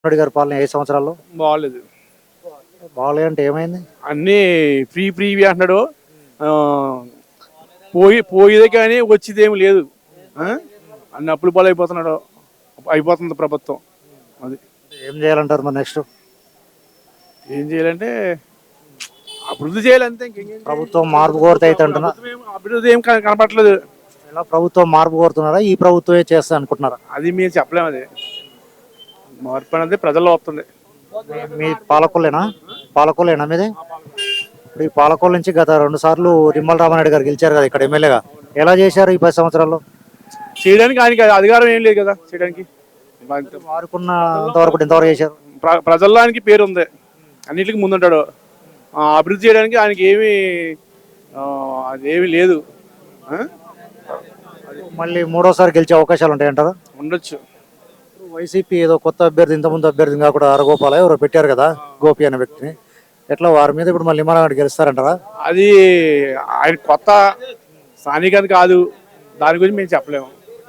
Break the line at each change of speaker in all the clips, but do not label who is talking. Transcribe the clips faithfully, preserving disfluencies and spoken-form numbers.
మోడీ గారి పాలన ఐదు సంవత్సరాల్లో
బాగాలేదు.
బాగాలేదు అంటే ఏమైంది?
అన్నీ ఫ్రీ ఫ్రీవి అంటున్నాడు. ఆ, పోయి పోయేదే కానీ వచ్చేదేమి లేదు. ఆ? అన్ని అప్పులు పాలు అయిపోతున్నాడు. అయిపోతుంది ప్రభుత్వం. అది
ఏం చేయాలంటారు మరి నెక్స్ట్?
ఏం చేయాలంటే అభివృద్ధి చేయాలంతే. ఇంకేం చేయాలి?
ప్రభుత్వం మార్పు కోరితే అయితే అంటున్నా.
ప్రభుత్వం ఏం- అభివృద్ధి ఏం కన- కనపట్లేదు.
ఇలా ప్రభుత్వం మార్పు కోరుతున్నారా, ఈ ప్రభుత్వమే చేస్తా అనుకుంటున్నారా?
అది మేము చెప్పలేము. అది మార్పు అనేది ప్రజల్లో వస్తుంది.
మీ- మీ పాలకొల్లేనా పాలకొల్లేనా మీది? ఇప్పుడు ఈ పాలకొల్లు నుంచి గత రెండు సార్లు నిమ్మల రామారెడ్డి గారు గెలిచారు కదా ఇక్కడ ఎమ్మెల్యేగా. ఎలా చేశారు ఈ పది సంవత్సరాల్లో?
చేయడానికి ఆయనకి అధికారం ఏం లేదు కదా చేయడానికి.
వారుకున్నంత వరకు ఎంతవరకు చేశారు?
ప్ర- ప్రజల్లో ఆయనకి పేరు ఉంది. అన్నిటికీ ముందుంటాడు. ఆ, అభివృద్ధి చేయడానికి ఆయనకి ఏమీ ఆ, అదేమీ లేదు. ఆ?
మళ్ళీ మూడోసారి గెలిచే అవకాశాలు ఉంటాయంటారా?
ఉండొచ్చు.
వైసీపీ ఏదో కొత్త అభ్యర్థి, ఇంతకుముందు అభ్యర్థి కాకుండా అరగోపాల ఎవరో పెట్టారు కదా, గోపి అనే వ్యక్తిని. ఎట్లా వారి మీద ఇప్పుడు మళ్ళీ నిమ్మల గెలుస్తారంటారా?
అది ఆయన కొత్త స్థానికత కాదు. దాని గురించి మేము చెప్పలేము.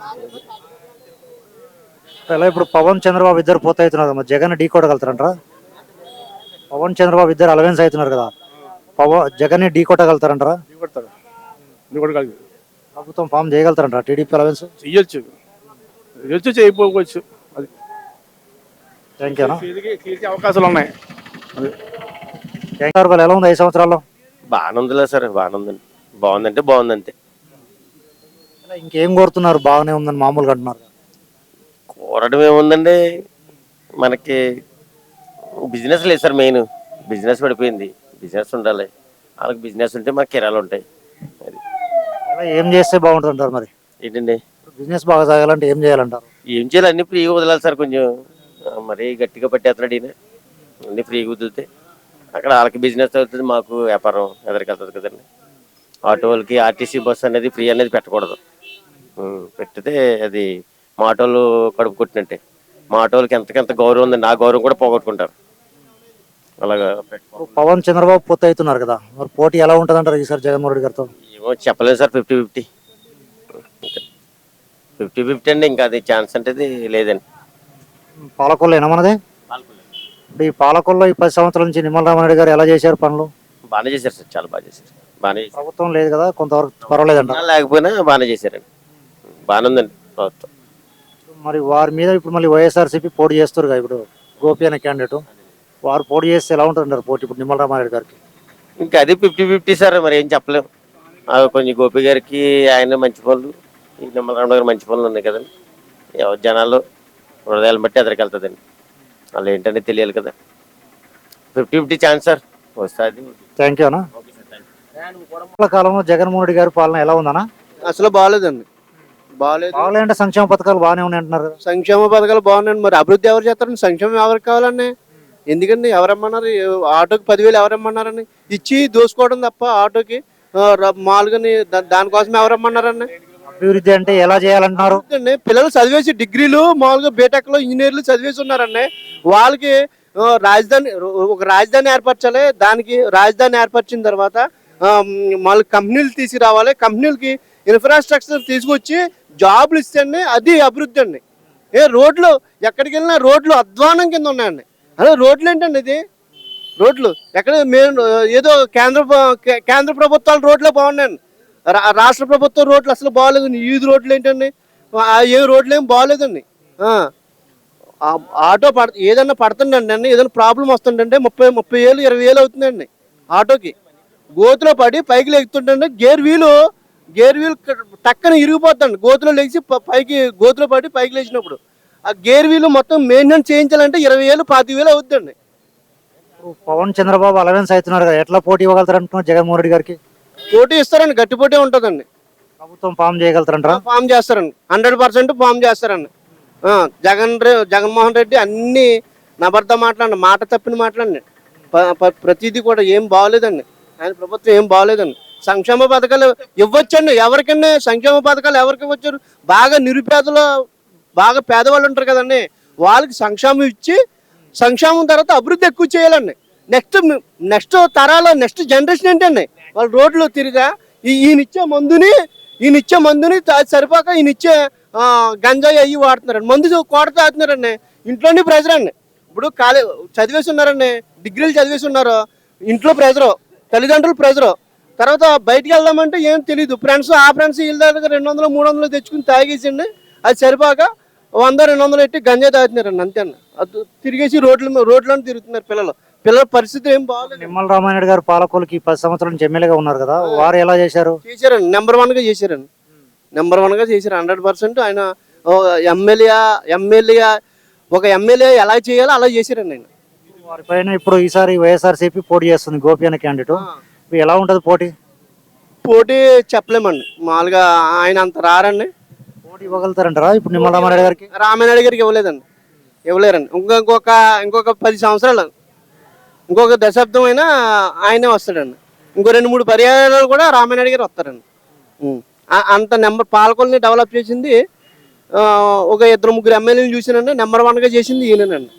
ఎలా ఇప్పుడు పవన్ చంద్రబాబు ఇద్దరు పోతే అవుతున్నారు కదా, జగన్ ఢీ కొట్టగలుగుతారంటారా? పవన్ చంద్రబాబు ఇద్దరు అలవెన్స్ అవుతున్నారు కదా, పవన్ జగన్ ఢీ కొట్టగలుగుతారంటారా?
దిగొడతారు. దిగొడగలదు.
ప్రభుత్వం ఫామ్ చేయగలుగుతారంటారా టీడీపీ అలవెన్స్?
చెయ్యొచ్చు. చెయ్యొచ్చు, చేయకపోవచ్చు. అది
థ్యాంక్ యూ.
కీర్తికి- కీర్తి అవకాశాలు ఉన్నాయి. అది
థ్యాంక్ యూ. ఎలా ఉంది ఐదు సంవత్సరాల్లో?
బాగానే ఉందిలే సార్, బాగానే ఉందండి. బాగుందంటే బాగుందంతే.
ఇలా ఇంకేం కోరుతున్నారు? బాగానే ఉందని మామూలుగా అంటున్నారు.
కోరడం ఏముందండి, మనకి బిజినెస్ లేదు సార్. మెయిన్ బిజినెస్ పడిపోయింది. బిజినెస్ ఉండాలి. వాళ్ళకి బిజినెస్ ఉంటే మనకి కిరాలు ఉంటాయి. అది
ఇలా ఏం చేస్తే బాగుంటుంది అంటారు మరి?
ఏంటండి,
బిజినెస్ బాగా సాగాలంటే ఏం చేయాలంటారు?
ఏం చేయాలి, అన్ని ఫ్రీగా వదలాలి సార్. కొంచెం ఆ, మరీ గట్టిగా పట్టేస్తున్నాడు ఈయన. అన్ని ఫ్రీగా వదిలితే అక్కడ వాళ్ళకి బిజినెస్ అవుతుంది, మాకు వ్యాపారం ఎదరికెళ్తుంది కదండి. ఆటో వాళ్ళకి ఆర్టీసీ బస్సు అనేది ఫ్రీ అనేది పెట్టకూడదు. ఉం, పెట్టితే అది మా ఆటోలు కడుపు కొట్టినట్టే. మా ఆటోలకి ఎంతకెంత గౌరవం ఉందండి, ఆ గౌరవం కూడా పోగొట్టుకుంటారు. అలాగా
ఇప్పుడు పవన్ చంద్రబాబు పోతే అవుతున్నారు కదా, మరి పోటీ ఎలా ఉంటుంది అంటారు ఈసారి జగన్మోహన్ రెడ్డి గారితో?
ఏమో చెప్పలేదు sir. Fifty fifty fifty fifty అండి. ఇంకా అది ఛాన్స్ అంటే లేదండి.
పాలకొల్లేనా మనదే? ఇప్పుడు ఈ పాలకొల్లో ఈ పది సంవత్సరాల నుంచి నిమ్మల రామారెడ్డి గారు ఎలా చేశారు పనులు?
బాగానే చేశారు సార్, చాలా బాగా చేశారు. బాగానే చేశారు.
ప్రభుత్వం లేదు కదా, కొంతవరకు పర్వాలేదంట.
ఉన్నా లేకపోయినా బాగానే చేశారండి. బాగానే ఉందండి ప్రభుత్వం.
మరి వారి మీద ఇప్పుడు మళ్ళీ వైఎస్ఆర్సీపీ పోటీ చేస్తారు కదా, ఇప్పుడు గోపి అనే క్యాండిడేట్, వారు పోటీ చేస్తే ఎలా ఉంటుందంటారు పోటీ ఇప్పుడు నిమ్మల రామారెడ్డి గారికి?
ఇంకా అది ఫిఫ్టీ ఫిఫ్టీ సార్, మరి ఏం చెప్పలేము. ఆ, కొంచెం గోపి గారికి ఆయన మంచి పనులు, ఈ నిమ్మలరామ గారు మంచి పనులు ఉన్నాయి కదండి. ఎవరు జనాలు హృదయాలను బట్టి ఎదరికెళ్తుందండి. వాళ్ళు ఏంటంటే తెలియాలి కదా. ఫిఫ్టీ ఫిఫ్టీ ఛాన్స్ సార్ వస్తుంది.
థ్యాంక్ యూ అన్న. కాలంలో జగన్మోహన్ రెడ్డి గారి పాలన ఎలా ఉందన్నా?
అసలు బాగాలేదండి. బాగాలేదు.
బాగాలేంటే సంక్షేమ పథకాలు బాగానే ఉన్నాయి అంటున్నారు కదా.
సంక్షేమ పథకాలు బాగున్నాయండి. మరి అభివృద్ధి ఎవరు చేస్తారండి? సంక్షేమం ఎవరికి కావాలండి? ఎందుకండి ఎవరమ్మన్నారు? ఆటోకి పదివేలు ఎవరమ్మన్నారండి? ఇచ్చి దోసుకోవడం తప్ప ఆటోకి ఆ, ర- మామూలుగాని దా- దానికోసం ఎవరమ్మన్నారండి?
అభివృద్ధి అంటే ఎలా చేయాలంటున్నారు?
అండి, పిల్లలు చదివేసి డిగ్రీలు మామూలుగా బీటెక్ లో ఇంజనీర్లు చదివేసి ఉన్నారండి. వాళ్ళకి ఆ, రాజధాని ఒక రాజధాని ఏర్పరచాలి. దానికి రాజధాని ఏర్పరిచిన తర్వాత ఆ, మళ్ళీ కంపెనీలు తీసుకురావాలి. కంపెనీలకి ఇన్ఫ్రాస్ట్రక్చర్ తీసుకొచ్చి జాబులు ఇస్తేండి అది అభివృద్ధి అండి. ఏ రోడ్లు ఎక్కడికి వెళ్ళినా రోడ్లు అధ్వానం కింద ఉన్నాయండి. అదే రోడ్లు ఏంటండి ఇది? రోడ్లు ఎక్కడ మేము ఏదో కేంద్ర ప్ర- కేంద్ర ప్రభుత్వాల రోడ్లే బాగున్నాయండి. రా- రాష్ట్ర ప్రభుత్వం రోడ్లు అసలు బాగాలేదు. ఈది రోడ్లు ఏంటండి? ఆ, ఏ రోడ్లు ఏం బాగాలేదండి. ఆ, ఆ ఆటో పడ ఏదన్నా పడుతుందండి అండి, ఏదైనా ప్రాబ్లం వస్తుందంటే ముప్పై ముప్పై వేలు ఇరవై వేలు అవుతుందండి ఆటోకి. గోతులో పడి పైకి లెగుతుంటే గేర్ వీలు గేర్ వీల్ టక్కన ఇరిగిపోతుందండి. గోతులో లెగిసి ప- పైకి గోతులో పడి పైకి లేచినప్పుడు ఆ గేర్ వీలు మొత్తం మెయింటెనెన్స్ చేయించాలంటే ఇరవై వేలు పాతి వేలు అవుతుందండి.
ఇప్పుడు పవన్ చంద్రబాబు అలవెన్స్ అవుతున్నారు కదా, ఎట్లా పోటీ ఇవ్వగలుగుతారు అంటున్నారు జగన్మోహన్ రెడ్డి గారికి?
పోటీ ఇస్తారండి, గట్టి పోటీ ఉంటుందండి.
ప్రభుత్వం ఫామ్ చేయగలుగుతారంటారా?
ఫామ్ చేస్తారండి, హండ్రెడ్ పర్సెంట్ ఫామ్ చేస్తారండి. ఆ, జగన్ రె జగన్మోహన్ రెడ్డి అన్ని నబర్ద మాట్లాడండి, మాట తప్పిన మాట్లాడండి. ప- ప- ప్రతిదీ కూడా ఏం బాగోలేదండి. ఆయన ప్రభుత్వం ఏం బాగోలేదండి. సంక్షేమ పథకాలు ఇవ్వచ్చండి ఎవరికన్నా. సంక్షేమ పథకాలు ఎవరికి ఇవ్వచ్చారు? బాగా నిరుపేదలు, బాగా పేదవాళ్ళు ఉంటారు కదండి, వాళ్ళకి సంక్షేమం ఇచ్చి సంక్షేమం తర్వాత అభివృద్ధి ఎక్కువ చేయాలండి. నెక్స్ట్ నెక్స్ట్ తరాల నెక్స్ట్ జనరేషన్ ఏంటండి? వాళ్ళు రోడ్లు తిరిగా ఈ ఈయనిచ్చే మందుని ఈయనిచ్చే మందుని తా- సరిపోక ఈయనిచ్చే ఆ, గంజాయి అయ్యి వాడుతున్నారండి. మందు కోట తాగుతున్నారండి. ఇంట్లోనే ప్రెజర్ అండి. ఇప్పుడు కాలే చదివేసి ఉన్నారండి, డిగ్రీలు చదివేసి ఉన్నారు, ఇంట్లో ప్రెజరు, తల్లిదండ్రులు ప్రెజరు, తర్వాత బయటికి వెళ్దామంటే ఏం తెలియదు, ఫ్రెండ్స్ ఆ ఫ్రెండ్స్ వీళ్ళ దగ్గర రెండు వందలు మూడు వందలు తెచ్చుకుని తాగేసండి, అది సరిపోక వంద రెండు వందలు పెట్టి గంజా తాగుతున్నారండి అంతే అన్న. అది తిరిగేసి రోడ్ల రోడ్లను తిరుగుతున్నారు పిల్లలు. పిల్లల పరిస్థితి ఏం బాగాలేదు.
నిమ్మల రామానాయుడు గారు పాలకొల్లుకి పది సంవత్సరాల నుంచి ఎమ్మెల్యేగా ఉన్నారు కదా, వారు ఎలా చేశారు?
చేశారండి, నెంబర్ వన్ గా చేశారండి, నెంబర్ వన్ గా చేశారు హండ్రెడ్ పర్సెంట్. ఆయన ఎమ్మెల్యే ఎమ్మెల్యే ఒక ఎమ్మెల్యే ఎలా చేయాలో అలా చేశారండి ఆయన.
వారిపైన ఇప్పుడు ఈసారి వైఎస్ఆర్సీపీ పోటీ చేస్తుంది, గోపి అనే క్యాండిడేట్. ఎలా ఉంటది పోటీ?
పోటీ చెప్పలేమండి, మామూలుగా ఆయన అంత రారండి.
పోటీ ఇవ్వగలుగుతారంటారా ఇప్పుడు నిమ్మల రామానాయుడు గారికి?
రామానాయుడు గారికి ఇవ్వలేదండి, ఇవ్వలేరండి. ఇంకో ఇంకొక ఇంకొక పది సంవత్సరాలు, ఇంకొక దశాబ్దం అయినా ఆయనే వస్తాడండి. ఇంకో రెండు మూడు పర్యాయాలు కూడా రామానాయుడు గారు వస్తారండి. ఉం. ఆ- అంత నెంబర్ పాలకొల్ని డెవలప్ చేసింది ఒక ఇద్దరు ముగ్గురు ఎమ్మెల్యేలు చూసినండి, నెంబర్ వన్ గా చేసింది ఈయనండి.